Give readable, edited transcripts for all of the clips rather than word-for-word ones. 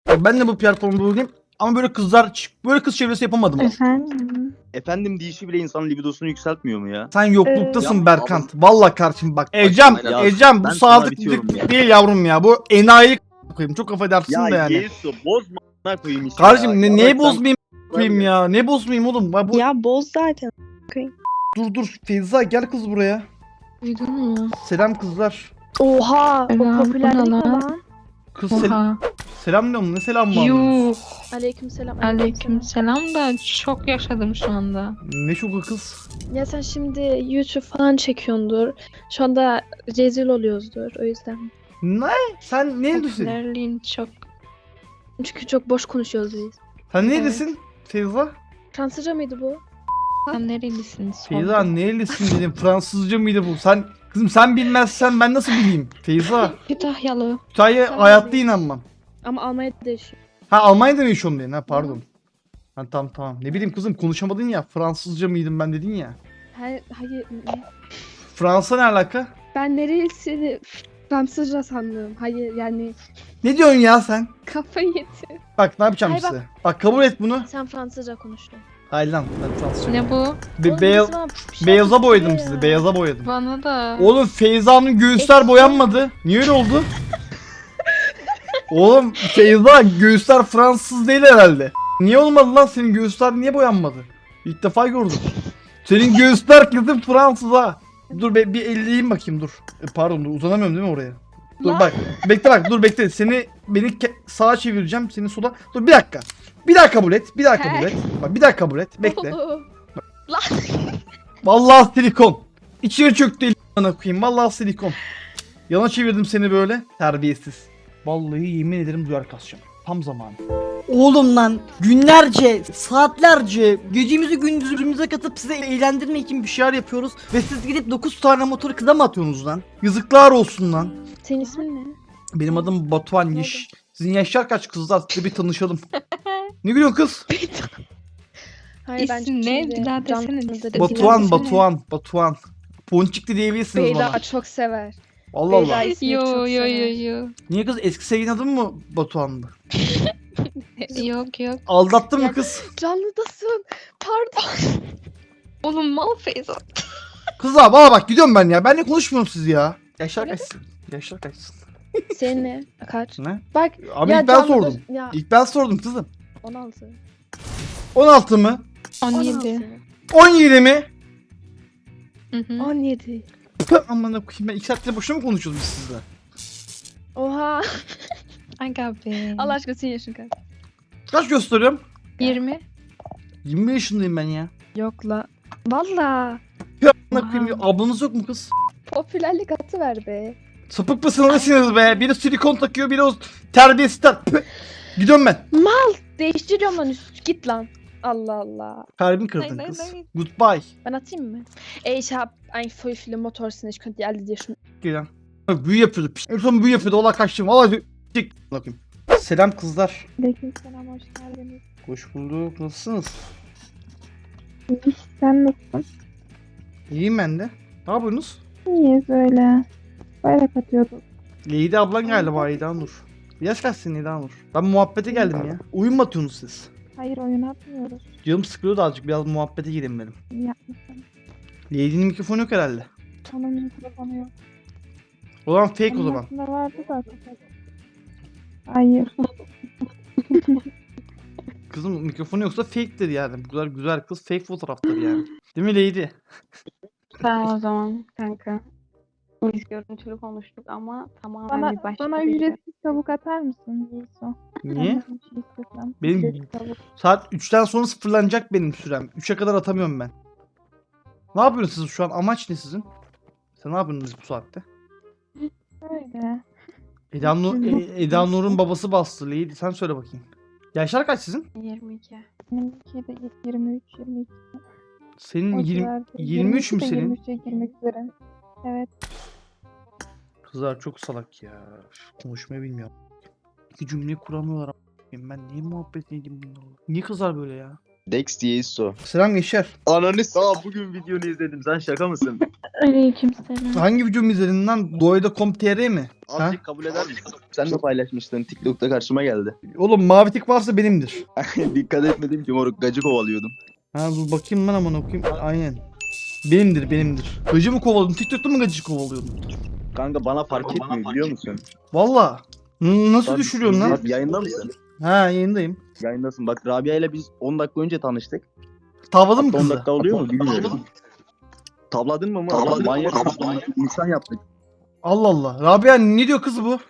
Ben de bu platformda bulayım. Ama böyle böyle kız çevresi yapamadım. Efendim? Efendim deyişi bile insanın libidosunu yükseltmiyor mu ya? Sen yokluktasın Ya, Berkant. Vallahi kardeşim bak. Ecem, Ya, Ecem bu ben sana sadık bitiyorum ya. değil yavrum ya. Bu enayilik koyayım. Çok affedersin Ya de yani. Yesu bozma a**ına koyayım işte Kardeşim ya. neye bak sen- bozmayayım koyayım ya? Ne bozmayayım oğlum? Bu... Ya boz zaten. Dur Feyza gel kız buraya. Duydun mu? Selam kızlar. Oha, o Selam, popülerlik bu ne mi lan? lan? Kız Oha. selam diyorum. Ne selam mı? Yuh. Aleykümselam. Aleyküm selam da çok yaşadım şu anda. Ne şoku kız? Ya sen şimdi YouTube falan çekiyordur. Şu anda rezil oluyoruzdur o yüzden. Ne? Sen neredesin? Popülerliğin çok. Çünkü çok boş konuşuyoruz biz. Sen neredesin? Feyza? Fransızca mıydı bu? Sen nerelisin? Feyza nerelisin dedim. Fransızca mıydı bu? Kızım sen bilmezsen ben nasıl bileyim? Feyza. Kütahyalı. Kütahya Sen hayatta değil. inanmam. Ama Almanya'da yaşıyor. Ha Almanya'da mı yaşıyorsun diye. Ha pardon. Ha tamam. Ne bileyim kızım konuşamadın ya. Fransızca mıydım ben dedin ya. Hayır. Fransa ne alaka? Ben neresini Fransızca sandım. Hayır yani Ne diyorsun ya sen? kafayı yedi. Bak ne yapacağım Hayır, bak. size. Bak kabul et bunu. Sen Fransızca konuştun. Hayır lan ben Fransızca. Ne bu? Oğlum, Beyaz, bizim bir şey beyaza yapıyor boyadım ya. sizi. Beyaza boyadım. Bana da. Oğlum Feyza'nın göğüsler Eski. boyanmadı. Niye öyle oldu? Oğlum Feyza göğüsler Fransız değil herhalde. Niye olmadı lan senin göğüsler niye boyanmadı? İlk defa gördüm. Senin göğüsler kızım Fransız ha. Dur bir elleyeyim bakayım dur. Pardon dur uzanamıyorum değil mi oraya? Dur Lan. bak. Dur bekle. Beni sağa çevireceğim. Seni sola. Dur bir dakika. Bir daha kabul et. Bir daha kabul et. Bak bir daha kabul et. Bekle. Oğlum. Vallahi silikon. İçeri çöktü elini koyayım. Vallahi silikon. Yana çevirdim seni böyle. Terbiyesiz. Vallahi yemin ederim duyar kasacağım. Tam zamanı. Oğlum lan günlerce, saatlerce gecemizi gündüzümüze katıp size eğlendirmek için bir şeyler yapıyoruz. Ve siz gidip 9 tane motoru kıza mı atıyorsunuz lan? Yazıklar olsun lan. Senin ismin ne? Benim adım Batuhan Yiş. Sizin yaşlar kaç kızlar? Size bir tanışalım. Ne gülüyorsun kız? Hayır, ben İsim ne? şimdi Bir daha desene. canlı da Batuhan, desene. Batuhan. Ponçikli diyebilirsiniz Beyda bana. çok sever. Allah Beyda Allah. ismini Yo çok yo sever. yo. Niye kız eski sevgilin adın mı Batuhan'dı? Yok yok. Aldattın mı Ya- kız? Canlıdasın. Pardon. Oğlum mal Feyza. Kızlar bana bak gidiyorum ben ya. Benle konuşmuyorum siz ya. Yaşlar kaçsın? Yaşlar kaçsın? Senin ne? Kaç? Ne? Bak. Abi ya ilk ben canlıda- sordum. Ya İlk ben sordum kızım. 16. 16 mı? 17. 17 mi? Hı hı. 17. Püh, aman koyayım ben 2 saattir boşuna mı konuşuyoruz biz sizle? Oha. Aga be. Allah aşkına senin yaşın kaç? Kaç gösteriyorum? 20. 20 yaşındayım ben ya. Yok la. Valla. Püh, aman koyayım ablanız yok mu kız? Popülerlik atı ver be. Sapık mısınız nesiniz be? Biri silikon takıyor biri o terbiyesizler. Püh. Gidiyorum ben. Değiştiriyorum lan üst. Git lan. Allah Allah. Kalbimi kırdın Nein, kız. nein. Goodbye. Ben atayım mı? Ich hab ein voll viele Motorsen. Ich könnte die alle dir schon... Gelen. Büyü yapıyordu. Piş. En son büyü yapıyordu. Ola kaçtım. Valla bakayım. Selam kızlar. Aleykümselam, hoş geldiniz. Hoş bulduk. Nasılsınız? Sen nasılsın? İyiyim ben de. Ne yapıyorsunuz? İyiyiz öyle. Bayrak atıyorduk. Leydi ablan galiba Eda Nur. Yaş kaç senin Eda Nur? Ben muhabbete geldim ya. Oyun mu atıyorsunuz siz? Hayır, oyun atmıyoruz. Canım sıkılıyor da azıcık biraz muhabbete gireyim dedim. İyi yapmışsın. Lady'nin mikrofonu yok herhalde. Onun mikrofonu yok. O zaman fake o Onun zaman. aslında vardı da kapadı. Hayır. Kızım mikrofonu yoksa fake'tir yani. Bu kadar güzel kız fake fotoğraftır yani. Değil mi Lady? Tamam o zaman kanka. Biz görüntülü konuştuk ama tamamen bir başka Bana bir ücretsiz tavuk atar mısın Yiğiso? Niye? Ben de bir şey istesem. Benim- Ücretsiz tavuk. Saat 3'ten sonra sıfırlanacak benim sürem. 3'e kadar atamıyorum ben. Ne yapıyorsunuz siz şu an? Amaç ne sizin? Sen ne yapıyorsunuz bu saatte? Öyle. Eda Nur'un babası bastı. Lady sen söyle bakayım. Yaşlar kaç sizin? 22. Benimki de 23, 22. Senin O 20, civarda. 23 mü 22 de senin? 23'e girmek üzere. Evet. Kızlar çok salak ya. Konuşmayı bilmiyorum. İki cümle kuramıyorlar. Ben niye muhabbet edeyim bunlarla? Niye kızlar böyle ya? Dex Yeiso. Selam gençler. Ananı sağ bugün videonu izledim. Sen şaka mısın? Aleykümselam. Hangi videomu izledin lan? Doyda.com.tr mi? Ha? Azıcık kabul eder misin? Sen de paylaşmıştın. TikTok'ta karşıma geldi. Oğlum mavi tik varsa benimdir. Dikkat etmedim ki moruk. Gacı kovalıyordum. Ha dur bakayım ben aman okuyayım. Aynen. Benimdir. Gacı mı kovalıyordun? TikTok'ta mı gacı kovalıyordun? Kanka bana fark etmiyor biliyor musun? Valla. Nasıl Bak, düşürüyorsun lan? bak, yayında mısın? Ha yayındayım. Yayındasın. Bak Rabia ile biz 10 dakika önce tanıştık. Tavladın mı Hatta 10 kızı? dakika oluyor mu bilmiyorum. Tavladın mı? Manyak insan yaptık. Allah Allah. Rabia ne diyor kız bu?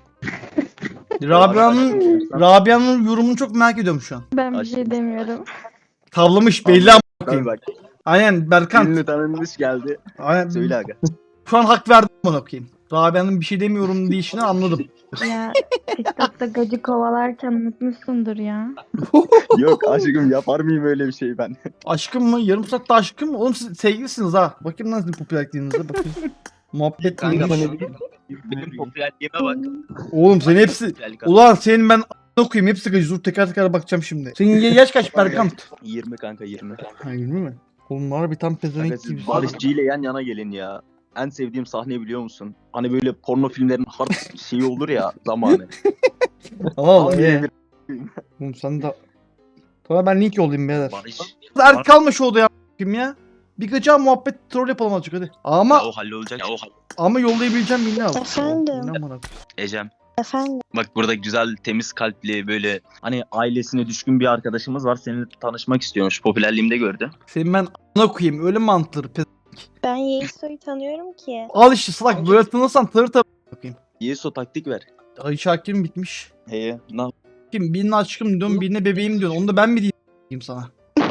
Rabia'nın yorumunu çok merak ediyorum şu an. Ben bir şey demiyorum. Tavlamış belli ama Tabii bakayım. bak. Aynen Berkan. Ünlü tanınmış geldi. Aynen. Söyle aga. Şu an hak verdim bana okuyayım. Rabia'nın bir şey demiyorum deyişini anladım. Ya TikTok'ta gacı kovalarken unutmuşsundur ya. Yok aşkım yapar mıyım öyle bir şey ben? Aşkım mı? Yarım saatte aşkım mı? Oğlum siz sevgilisiniz ha. Bakayım nasıl bir popülerliğinize bakayım. Muhabbet Kanka neymiş? benim popülerliğime bak. Oğlum sen hepsi... Ulan senin ben okuyayım hepsi gacı. Dur teker bakacağım şimdi. Senin yaş kaç Berkan? 20 kanka 20. Ha 20 mi? Oğlum var bir tam Kanka pezevenk siz gibi. Barışçı ile yan yana gelin ya. En sevdiğim sahne biliyor musun? Hani böyle porno filmlerin hard şeyi olur ya zamanı. Allah Tam ye. bir Oğlum sen de... Sonra ben link yollayayım beyler. Barış. Erk kalma şu odaya a**ayım ya. Bir gıca muhabbet troll yapalım azıcık hadi. Ama Ya o hallolacak. Ya o ama yollayabileceğim birini al. Efendim? Birini amına. Ecem. Efendim? Bak burada güzel, temiz kalpli böyle hani ailesine düşkün bir arkadaşımız var. Seninle tanışmak istiyormuş. Popülerliğimde gördü. Senin ben a**ına koyayım öyle mi antır? Ben Yeiso'yu tanıyorum ki. Al işte salak böyle tanırsan tanır tabi. Bakayım. Yeso taktik ver. Ay Şakir'im bitmiş. Heye. Nah. Kim birine aşkım diyorsun birine bebeğim diyorsun. Onu da ben mi diyeyim sana?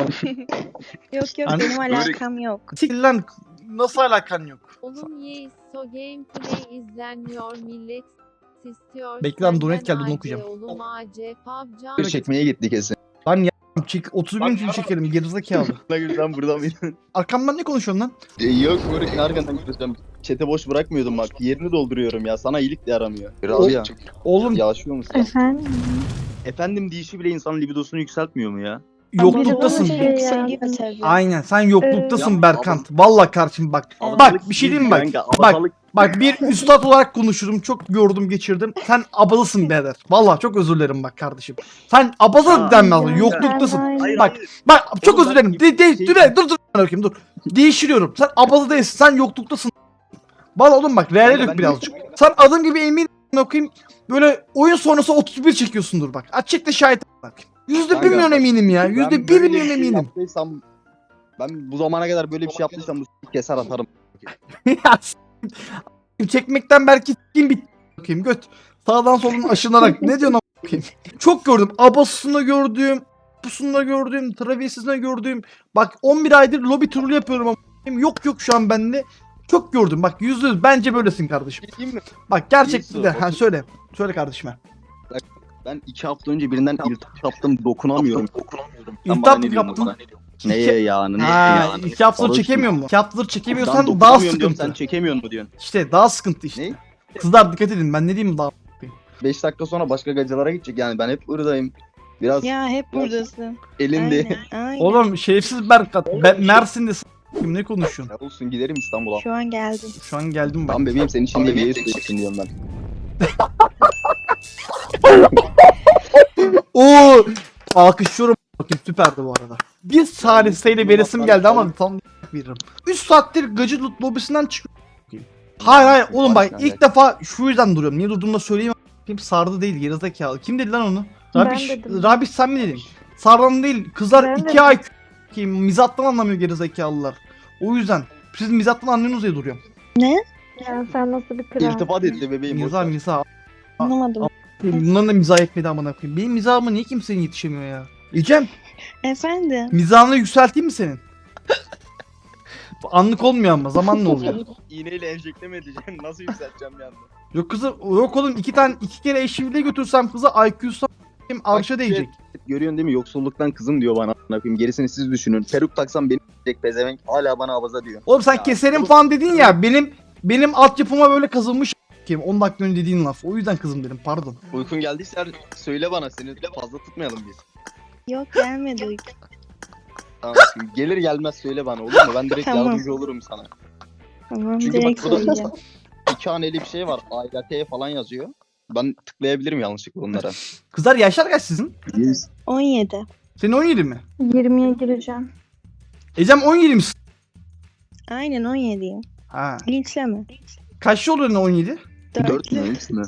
Yok yok Hani- benim alakam yok. Siktir lan nasıl alakan yok? Oğlum Yeiso gameplay izlenmiyor millet istiyor. Bekle lan, senden donate geldi, bunu AC, okuyacağım. Oğlum AC, PUBG. Bir çekmeye gitti kesin. Çek 31 gün çekerim gerizekalı. Sen burada mıydın? Arkamdan ne konuşuyorsun lan? Yok Moruk arkandan gideceğim. Çete boş bırakmıyordum bak. Yerini dolduruyorum ya. Sana iyilik de yaramıyor. Rabia. Oğlum Yaşıyor musun? Efendim? Efendim deyişi bile insanın libidosunu yükseltmiyor mu ya? yokluktasın. Biri bana şey Yükseliyor tabii. Aynen sen yokluktasın Ya, Berkant. Vallahi kardeşim bak. Evet. Bak bir şey diyeyim mi bak. Kanka, Bak abazalık- bak bir üstad olarak konuşurum. Çok gördüm geçirdim. Sen abalısın birader. Vallahi çok özür dilerim bak kardeşim. Sen abaza Ya, denmez. ya, Yokluktasın. ben- Hayır, Bak hayır. bak çok Oğlum özür ben- dilerim. şey- Dur bakayım dur. Değiştiriyorum. Sen abaza değilsin. Sen yokluktasın. Vallahi oğlum bak reale Kanka, dök ben- birazcık. Sen adım gibi emin okuyayım. Böyle oyun sonrası 31 çekiyorsundur bak. Açıkta şahit bakayım. %1 Kanka, milyon bak, eminim ya. Ben %1 böyle milyon bir şey eminim. yaptıysam- Ben bu zamana kadar böyle bir şey yaptıysam bu keser atarım. Ya çekmekten belki s**eyim bitti bakayım göt. Sağdan soldan aşınarak ne diyorsun bakayım. Çok gördüm. Abasını gördüm. Pusunu gördüm. Travesisini gördüm. Bak 11 aydır lobi turlu yapıyorum ama yok şu an bende. Çok gördüm. Bak %100 bence böylesin kardeşim. Diyeyim mi? Bak gerçekten İyisi, de. Ha otur. söyle. Söyle kardeşime. Ben 2 hafta önce birinden iltihap yaptım dokunamıyorum. Sen İltihap bana mı ne diyorsun yaptın? bana? Neye yani? Ha, 2 haftadır Barış çekemiyor mı? mu? 2 haftadır Ben çekemiyorsan daha dokunamıyorum diyorum, sıkıntı. sen çekemiyor mu diyorsun? İşte daha sıkıntı işte. Ne? Kızlar dikkat edin ben ne diyeyim daha. 5 dakika sonra başka gacılara gidecek yani ben hep buradayım. Biraz Ya hep buradasın. elinde. Aynen. Oğlum şerefsiz Berkat. Ben Mersin'de s**eyim, ne konuşuyorsun? Ya olsun giderim İstanbul'a. Şu an geldim. Şu an geldim bak. Tam bebeğim senin için de bir yer seçsin diyorum ben. Oo! Alkışlıyorum bakayım süperdi bu arada. Bir saliseyle veresim geldi ama tam veririm. 3 saattir gacı lobisinden çıkıyorum. Hayır oğlum bak ilk defa şu yüzden duruyorum. Niye durduğumu da söyleyeyim. Kim sardı değil gerizekalı. Kim dedi lan onu? Ben Rabiş, dedim. Rabiş sen mi dedin? Sardan değil. Kızlar Ben 2 dedim. ay kim mizattan anlamıyor gerizekalılar. O yüzden siz mizattan anlıyorsunuz diye duruyorum. Ya sen nasıl bir kral? İltifat etti bebeğim. boş ver. Mizah. Anlamadım. Bunların da mizah etmedi amına koyayım. Benim mizahıma niye kimsenin yetişemiyor ya? İcem. Efendim? Mizahını yükselteyim mi senin? Anlık olmuyor ama zamanla oluyor. İğneyle enjekte mi edeceğim? Nasıl yükselteceğim bir anda? Yok kızı yok oğlum iki kere eşimle götürsem kızı IQ'su arşa değecek. Görüyorsun değil mi? Yoksulluktan kızım diyor bana. a**ına koyayım. Gerisini siz düşünün. Peruk taksam beni diyecek pezevenk. Hala bana abaza diyor. Oğlum sen Ya, keserim oğlum- falan dedin ya benim altyapıma böyle kazınmış kim 10 dakika önce dediğin laf. O yüzden kızım dedim pardon. Uykun geldiyse söyle bana. Seni fazla tutmayalım biz. Yok gelmedi uyku. Tamam şimdi gelir gelmez söyle bana olur mu? Ben direkt Tamam. yardımcı olurum sana. Tamam Çünkü direkt bak burada söyleyeceğim. 2 haneli bir şey var. AYT falan yazıyor. Ben tıklayabilirim yanlışlıkla onlara. Kızlar yaşlar kaç sizin? 17. Senin 17 mi? 20'ye gireceğim. Ecem 17 misin? Aynen 17'yim. Ha. Linçleme. Kaçlı oluyor 17? 4 mü 3 mü?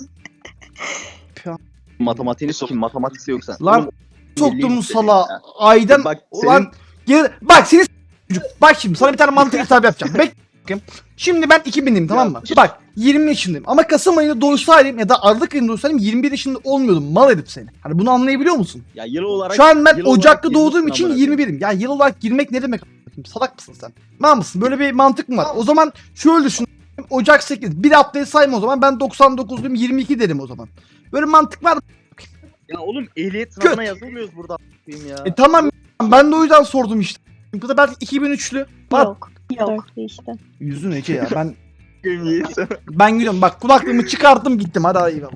Matematiğini sokayım. Matematikse yoksa. Lan Oğlum, soktum milli sala. yüksek ya. Aydan Bak ulan bak seni çocuk. Bak şimdi sana bir tane mantık hesabı yapacağım. Bakayım. Şimdi ben 2000'liyim tamam mı? Bak 20 yaşındayım ama Kasım ayında doğsaydım ya da Aralık ayında doğsaydım 21 yaşında olmuyordum. Mal herif seni. Hani bunu anlayabiliyor musun? Ya yıl olarak Şu an ben yıl olarak Ocak'ta doğduğum girmişsin için amına koyayım. 21'im. Ya yıl olarak girmek ne demek? Salak mısın sen? Mal mısın? Böyle bir mantık mı var? O zaman şöyle düşün. Ocak 8. Bir haftayı sayma o zaman. Ben 99'luyum 22 derim o zaman. Böyle mantık var mı? Ya oğlum ehliyet sınavına yazılmıyoruz burada a**ayım ya. Tamam ben de o yüzden sordum işte. Bu da belki 2003'lü. Bak Yok. Yok. işte. yüzün Ece ya ben Yemin ben gidiyorum bak kulaklığımı çıkarttım gittim hadi eyvallah.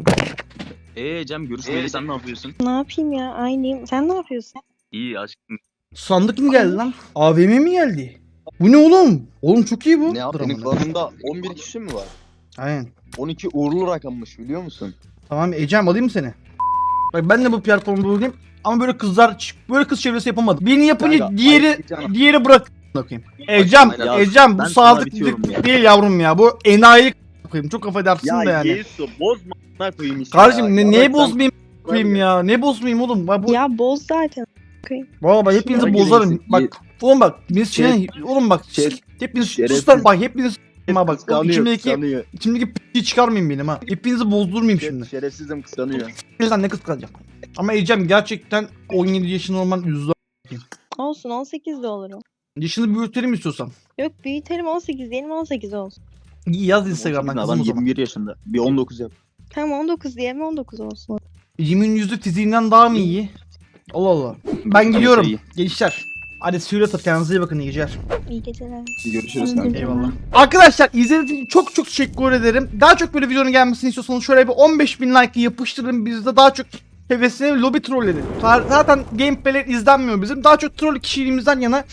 Cem görüşmeli sen ne yapıyorsun? Ne yapayım ya? Aynıyım. Sen ne yapıyorsun? İyi aşkım. Sandık mı geldi lan? AVM mi geldi? Bu ne oğlum? Oğlum çok iyi bu. Ne yap? Dur Senin amına. klanında 11 kişi mi var? Aynen. 12 uğurlu rakammış biliyor musun? Tamam Ecem alayım mı seni? Bak ben de bu platformu bulayım ama böyle böyle kız çevresi yapamadım. Birini yapınca Kanka, diğeri ayıp canım. diğeri bırak bakayım. Ecem, Ya, Ecem bu ben sana sadık bitiyorum ya. değil yavrum ya. Bu enayi koyayım. Çok affedersin da yani. Yesu bozma a**ına koyayım işte. Kardeşim ya. neye Bak sen- bozmayayım koyayım ya? Ne bozmayayım oğlum? Bak bu Ya boz zaten. baba bak hepinizi Şeref- bozarım. Bak oğlum bak biz oğlum bak Şeref- hepiniz şerefsiz. sus lan bak hepiniz bak oğlum, Kıskanıyor, kıskanıyor. içimdeki p***yi çıkarmayayım benim ha. Hepinizi bozdurmayayım şimdi. Şerefsizim kıskanıyor. Sen ne kıskanacak? Ama Ecem gerçekten 17 yaşında olman üzdü. Olsun 18 de olurum. Yaşını büyütelim istiyorsan. Yok büyütelim 18 diyelim 18 olsun. İyi yaz Instagram'dan Adam kızım o zaman. 21 yaşında. Bir 19 yap. Tamam 19 diyelim 19 olsun. Ecem'in yüzü fiziğinden daha mı iyi? Allah Allah. Ben gidiyorum. iyi. Gençler. Hadi suyla tut kendinize iyi bakın iyi geceler. İyi geceler. Görüşürüz kanka. Eyvallah. Arkadaşlar izlediğiniz için çok çok teşekkür ederim. Daha çok böyle videonun gelmesini istiyorsanız şöyle bir 15.000 like yapıştırın. Biz de daha çok hevesine lobi trolleri. Zaten gameplay'ler izlenmiyor bizim. Daha çok troll kişiliğimizden yana,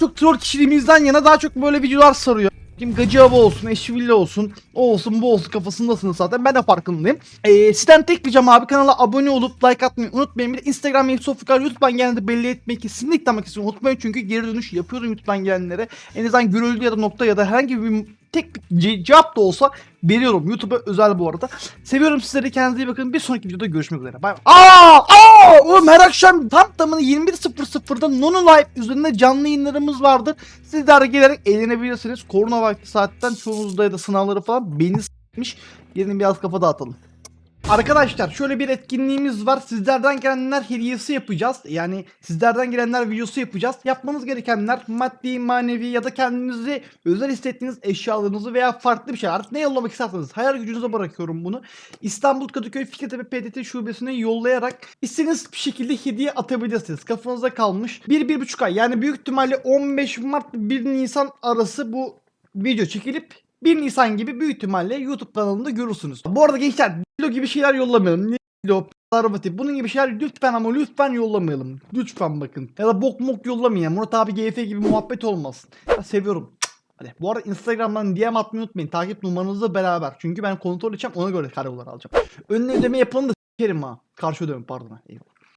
daha çok böyle videolar sarıyor. Kim Gacı Hava olsun, Eşville olsun, o olsun, bu olsun kafasındasınız zaten. Ben de farkındayım. Sizden tek ricam abi kanala abone olup like atmayı unutmayın. Bir de Instagram, Sofukar, YouTube'dan gelenleri belli etmeyi kesinlikle ama kesinlikle unutmayın. Çünkü geri dönüş yapıyorum YouTube'dan gelenlere. En azından görüldü ya da nokta ya da herhangi bir tek bir cevap da olsa veriyorum. YouTube'a özel bu arada. Seviyorum sizleri. Kendinize iyi bakın. Bir sonraki videoda görüşmek üzere. Bay bay. Oğlum her akşam tam tamına 21.00'da Nono Live üzerinde canlı yayınlarımız vardır. Sizler gelerek eğlenebilirsiniz. Korona vakti saatten çoğunuzda ya da sınavları falan beni s**miş. Gelin biraz kafa dağıtalım. Arkadaşlar şöyle bir etkinliğimiz var. Sizlerden gelenler hediyesi yapacağız. Yani sizlerden gelenler videosu yapacağız. Yapmanız gerekenler maddi, manevi ya da kendinizi özel hissettiğiniz eşyalarınızı veya farklı bir şey artık ne yollamak isterseniz hayal gücünüze bırakıyorum bunu. İstanbul Kadıköy Fikirtepe PTT şubesine yollayarak istediğiniz bir şekilde hediye atabilirsiniz. Kafanızda kalmış 1-1,5 ay yani büyük ihtimalle 15 Mart 1 Nisan arası bu video çekilip 1 Nisan gibi büyük ihtimalle YouTube kanalında görürsünüz. Bu arada gençler Dilo gibi şeyler yollamayalım. Dilo, Sarvati bunun gibi şeyler lütfen ama lütfen yollamayalım. Lütfen bakın. Ya da bok mok yollamayın. Murat abi GF gibi muhabbet olmasın. Ya seviyorum. Hadi. Bu arada Instagram'dan DM atmayı unutmayın. Takip numaranızla beraber. Çünkü ben kontrol edeceğim ona göre kareolar alacağım. Önüne ödeme yapalım da s**erim ha. Karşı ödeme pardon. Eyvallah.